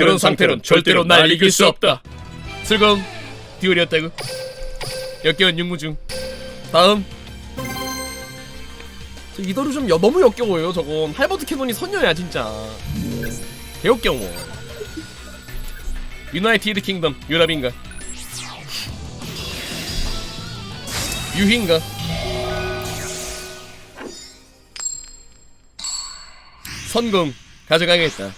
그런 상태론 절대로 날 이길 수 없다. 슬금 듀얼이었다고. 역겨운 육무중. 다음. 저 이더루 좀 너무 역겨워요. 저건 할버드 캐논이 선녀야 진짜. 개역겨워. 유나이티드 킹덤 유럽인가? 유희인가? 선공 가져가겠다.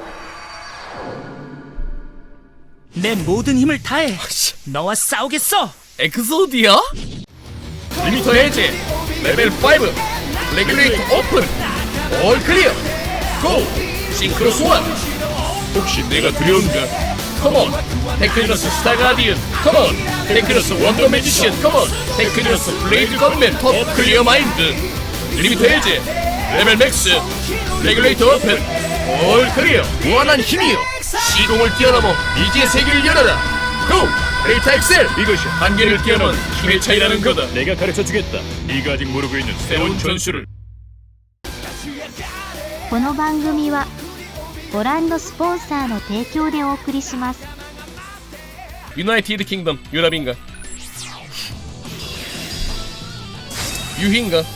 내 모든 힘을 다해. 너와 싸우겠어. 엑소디아? 리미터 해제 레벨 5 레귤레이터 오픈 올 클리어 고! 싱크로 소환. 혹시 내가 두려운가? 컴온 테크니너스 스타 가디언 컴온 테크니너스 원더 매지션 컴온 테크니너스 블레이드 건맨 톱 클리어 마인드 리미터 해제 레벨 맥스 레귤레이터 오픈 올 클리어 무한한 힘이여 시공을 뛰어넘어 미지의 세계를 열어라 고! 데이터 엑셀 이것이 한계를 뛰어넘은 힘의 차이라는 거다. 내가 가르쳐주겠다. 네가 아직 모르고 있는 새로운 전술을. この番組はご覧のスポンサーの提供でお送りします。 유나이티드 킹덤 유럽인가? 유희인가?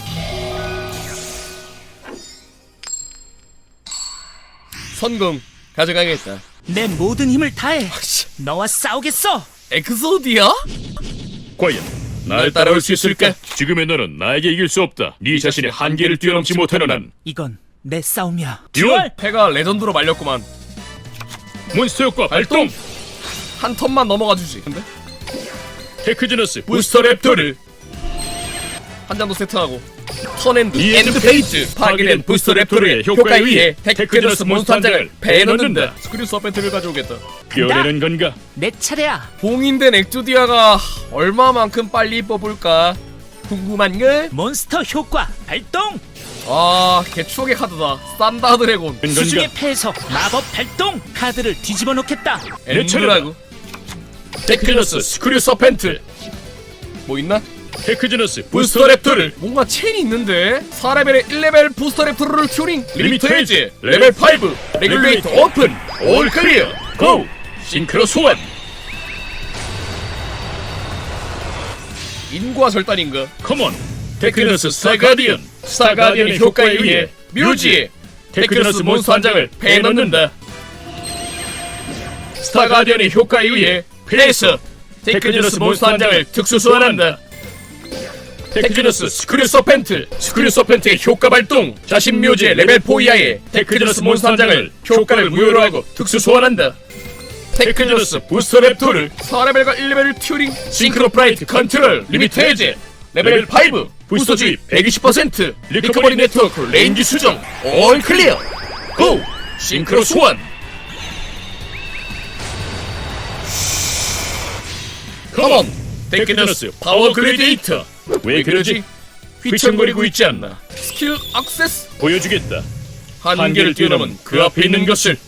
선공 가져가겠다. 내 모든 힘을 다해. 너와 싸우겠어. 엑소디아? 과연 날 따라올 수 있을까? 지금의 너는 나에게 이길 수 없다. 네 자신의 한계를 뛰어넘지 못하는 한. 이건 내 싸움이야. 듀얼! 패가 레전드로 말렸구만. 몬스터 효과 발동! 한 턴만 넘어가 주지. 근데 테크지너스 부스터 랩터를 한 장도 세트하고 턴앤드 엔드 페이지 파괴된 부스터 랩터의 효과에 의해 테크지너스 몬스터 한 장을 배에 넣는다. 스크류 서펜트를 가져오겠다. 뛰어내는 건가? 내 차례야. 봉인된 엑조디아가 얼마만큼 빨리 뽑을까 궁금한걸? 몬스터 효과 발동. 아, 개추억의 카드다. 산다 드래곤. 수중의 패에서 마법 발동. 카드를 뒤집어 놓겠다. 엔드라고. 테크지너스 스크류 서펜트. 뭐 있나? 테크지너스 부스터 랩터를. 뭔가 체인이 있는데 4레벨에 1레벨 부스터 랩터를 튜닝. 리미터 해제 레벨 5 레귤레이터 오픈 올 클리어 고! 싱크로 소환. 인과 절단인가? 컴온! 테크지너스 스타 가디언! 스타 가디언의 효과에 의해 뮤지 테크지너스 몬스터 한 장을 배에 넣는다. 스타 가디언의 효과에 의해 플레이스 테크지너스 몬스터 한 장을 특수 소환한다. 테크지너스 스크류 서펜트 스크류 서펜트의 효과 발동. 자신 묘지의 레벨 4 이하의 테크지너스 몬스터 한 장을 효과를 무효로 하고 특수 소환한다. 테크지너스 부스터 랩토를 4레벨과 1레벨을 튜닝. 싱크로 프라이트 컨트롤 리미트 해제 레벨 5 부스터 주입 120% 리커버리 네트워크 레인지 수정 올 클리어 고! 싱크로 소환. 컴온 테크지너스 파워 글래디에이터. 왜 그러지? 휘청거리고 있지 않나? 스킬 액세스 보여주겠다. 한계를 뛰어넘은 그 앞에 있는 것을.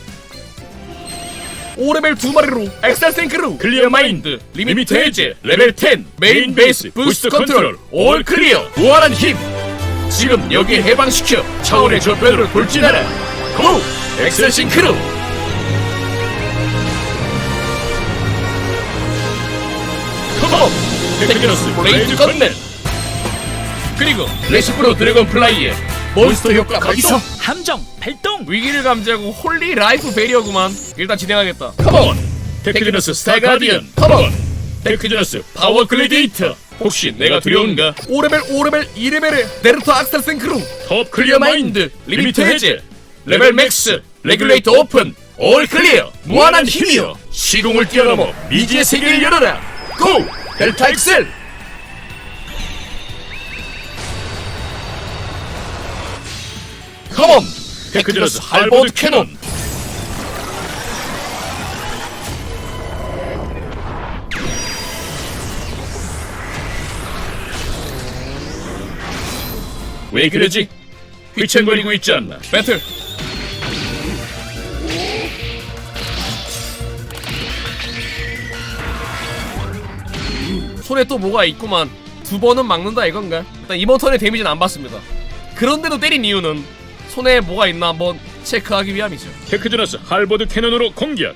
5레벨 2마리로 엑셀 싱크로 클리어 마인드 리미트 해제 레벨 10 메인 베이스 부스트 컨트롤 올 클리어 무한한 힘. 지금 여기에 해방시켜 차원의 저변으로 돌진하라. 고! 엑셀 싱크로. 컴온 테크지너스 블레이드 건맨. 그리고 레시프로 드래곤 플라이에 몬스터 효과 발동. 함정 발동. 위기를 감지하고 홀리 라이프 베리어구만. 일단 진행하겠다. 컴온! 테크지너스 스타 가디언! 컴온! 테크지너스 파워 글래디에이터! 혹시 내가 두려운가? 5레벨 2레벨의 네르터 악셀 싱크로 톱 클리어 마인드 리미트 해제 레벨 맥스 레귤레이터 오픈 올 클리어 무한한 힘이여 시공을 뛰어넘어 미지의 세계를 열어라. 고! 델타 엑셀. 컴온 테크지너스 할버드 캐논. 왜 그러지? 휘청거리고 있지 않나? 배틀. 손에 또 뭐가 있구만. 두 번은 막는다 이건가? 일단 이번 턴에 데미지는 안 받습니다. 그런데도 때린 이유는 손에 뭐가 있나 한번 체크하기 위함이죠. 테크저너스 할버드 캐논으로 공격.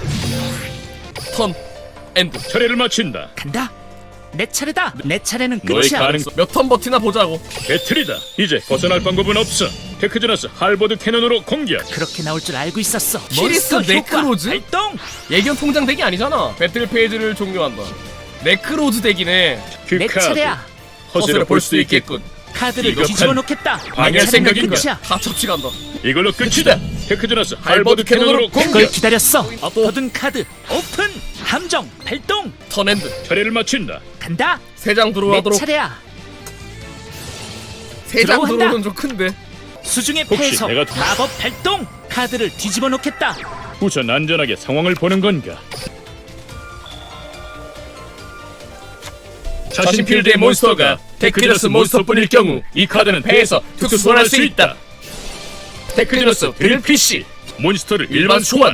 턴 엔드. 처리를 마친다. 간다. 내 차례다. 내 차례는 너의 끝이야. 가능성 몇 턴 버티나 보자고. 배틀이다. 이제 벗어날 방법은 없어. 테크저너스 할버드 캐논으로 공격. 그렇게 나올 줄 알고 있었어. 키리스 몬스터 효과 네크로즈? 발동. 예견 통장 덱이 아니잖아. 배틀 페이지를 종료한다. 네크로즈 덱이네. 그 내 카드 차례야. 허세로 볼 수 있겠군. 카드를 이거 뒤집어 판- 놓겠다. 방해 내 차례는 생각인 끝이야. 거야. 다 첩치간다. 이걸로 끝이다. 테크저너스 할버드 할버드 캐논으로 캐논으로 그걸 공격. 기다렸어. 엎어둔 카드 오픈. 함정 발동. 턴 엔드. 처리를 마친다. 간다. 세 장 내 들어가도록. 차례야. 세 장 들어간다. 들어오는 좀 큰데. 수중의 혹시 패에서 내가 마법 발동. 카드를 뒤집어 놓겠다. 우선 안전하게 상황을 보는 건가? 자신 필드의 몬스터가 테크저너스 몬스터뿐일 경우 이 카드는 패에서 특수 소환할 수 있다. 테크저너스 드릴 PC 몬스터를 일반 소환.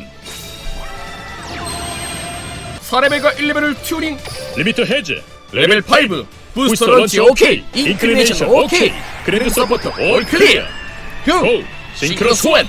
4레벨과 1레벨을 튜닝. 리미터 해제. 레벨 5. 부스터 부스터 런치 런치 오케이. 오케이. 인클리네이션 오케이. 그랜드 서포터 올 클리어. 흉. 오 싱크로 소환.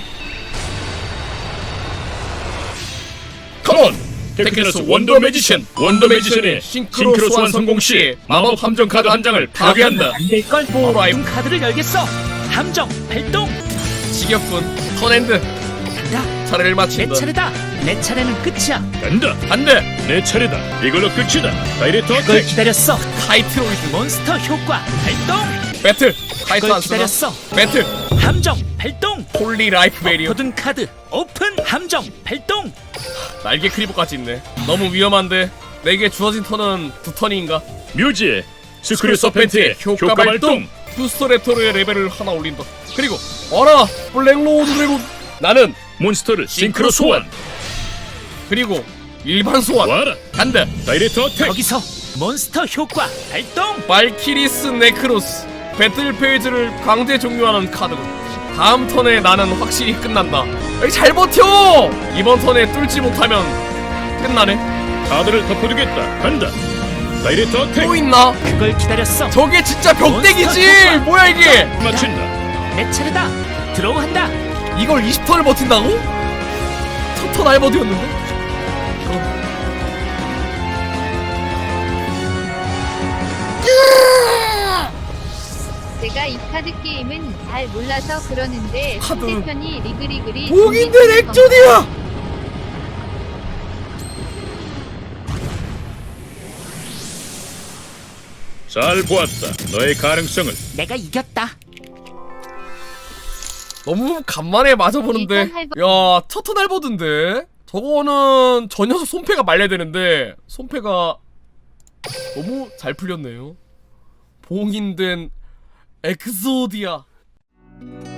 컴온. 테크저너스 원더 매지션. 원더 매지션의 싱크로 소환 성공 시 마법 함정 카드 한 장을 파괴한다. 안될걸. 포라이브. 엎어둔 카드를 열겠어. 함정 발동. 지겹군. 턴 엔드. 간다. 차례를 내 마친다. 차례다. 내 차례는 끝이야. 간다. 안돼. 내 차례다. 이걸로 끝이다. 다이렉트 그걸 어택. 기다렸어. 타이트로이드. 몬스터 효과 발동. 배틀. 타이트 그걸 안 쓰나? 기다렸어. 배틀. 함정 발동. 홀리 라이프 베리어. 엎어둔 카드 오픈. 함정 발동. 날개 크리버까지 있네. 너무 위험한데. 내게 주어진 턴은 2턴인가? 뮤지의 스크류 서펜트의 효과 발동. 부스터 레토르의 레벨을 하나 올린다. 그리고 어라 블랙로드 드래곤. 나는 몬스터를 싱크로 소환. 그리고 일반 소환. 와라. 간다. 다이렉트 어택. 거기서 몬스터 효과 발동. 발키리스 네크로스. 배틀 페이지를 강제 종료하는 카드군. 다음 턴에 나는 확실히 끝난다. 에이, 잘 버텨. 이번 턴에 뚫지 못하면 끝나네. 카드를 덮어두겠다. 간다. 다이렉트 어택. 또 있나? 그걸 기다렸어. 저게 진짜 벽대기지. 몬스터 효과. 뭐야 이게? 맞춘다. 내 차례다. 들어온다. 이걸 20턴을 버틴다고? 첫 턴 알버드였는데? 제가 이 카드 게임은 잘 몰라서 그러는데 카드. 상대편이 리그리그리 목인데 액존이야! 잘 보았다. 너의 가능성을. 내가 이겼다. 너무 간만에 맞아보는데. 일단 야, 첫 턴 알버드인데? 저거는 저 녀석 손패가 말려야 되는데 손패가 너무 잘 풀렸네요. 봉인된 엑소디아.